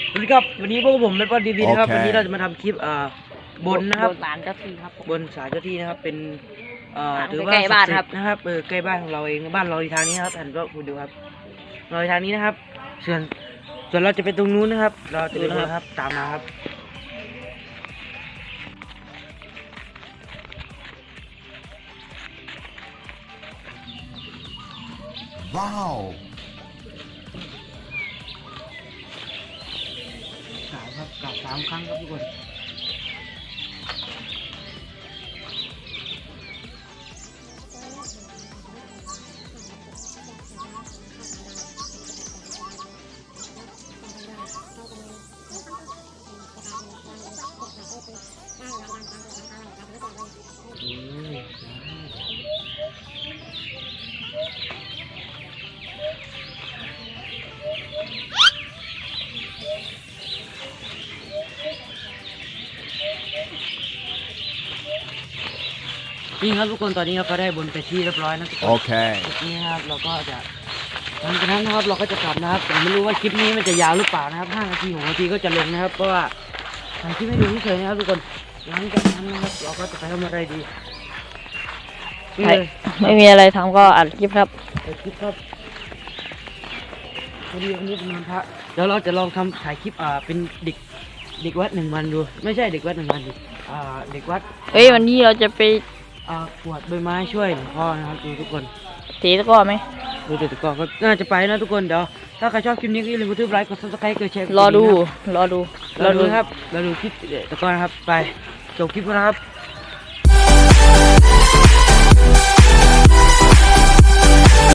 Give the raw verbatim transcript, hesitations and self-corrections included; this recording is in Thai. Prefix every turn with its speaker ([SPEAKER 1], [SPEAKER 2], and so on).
[SPEAKER 1] สวัสดีครับวันนี้พวกผมเป็นป้อนดีดีนะครับวันนี้เราจะมาทำคลิปอ่าบนนะครับ
[SPEAKER 2] บนศาลเจ้าที่ครับ
[SPEAKER 1] บนศาลเจ้าที่นะครับเป็นอ่าถือว่า
[SPEAKER 2] ใกล้บ้านครับ
[SPEAKER 1] นะครับเออใกล้บ้านของเราเองบ้านเราอยู่ทางนี้ครับหันก็คุณดูครับเราอยู่ทางนี้นะครับส่วนส่วนเราจะไปตรงนู้นนะครับ เราจะไปดูนะครับตามมาครับ
[SPEAKER 3] ว้าว
[SPEAKER 1] กล่าวครับกล่าวสามครั้งครับทุกคนนี่ครับทุกคนตอนนี้เราก็ได้บนไปที่เรียบร้อยนะทุกคน
[SPEAKER 3] โอเค
[SPEAKER 1] นี่นะครับเราก็จะหลังจากนั้นนะครับเราก็จะกลับนะครับแต่ไม่รู้ว่าคลิปนี้มันจะยาวหรือเปล่านะครับห้านาทีหกนาทีก็จะลงนะครับเพราะว่าถ่ายคลิปไม่ดูเฉยๆนะครับทุกคนหลังจากนั้นนะครับเราก็จะไปทำอะไรดี
[SPEAKER 2] ไม่ไม่มีอะไรทำก็อัดคลิปครับ
[SPEAKER 1] อัดคลิปครับพอดีวันนี้เป็นวันพระเดี๋ยวเราจะลองทำถ่ายคลิปอ่าเป็นเด็กเด็กวัดหนึ่งวันดูไม่ใช่เด็กวัดหนึ่งวันดิอ่าเด็กวัด
[SPEAKER 2] เฮ้ยวันนี้เราจะไป
[SPEAKER 1] อ่ากวาดใบไม้ช่วยหลวงพ่อนะครับดูทุกคน
[SPEAKER 2] ตีตะก้อไหม
[SPEAKER 1] ดูตะก้อก็น่าจะไปนะทุกคนเดี๋ยวถ้าใครชอบคลิปนี้ก็อย่าลืมกดไลค์กดซับสไครต์กดแชร์
[SPEAKER 2] รอดูรอดู
[SPEAKER 1] รอดูครับรอดูคลิปตะก้อนะครับไปจบคลิปแล้วครับ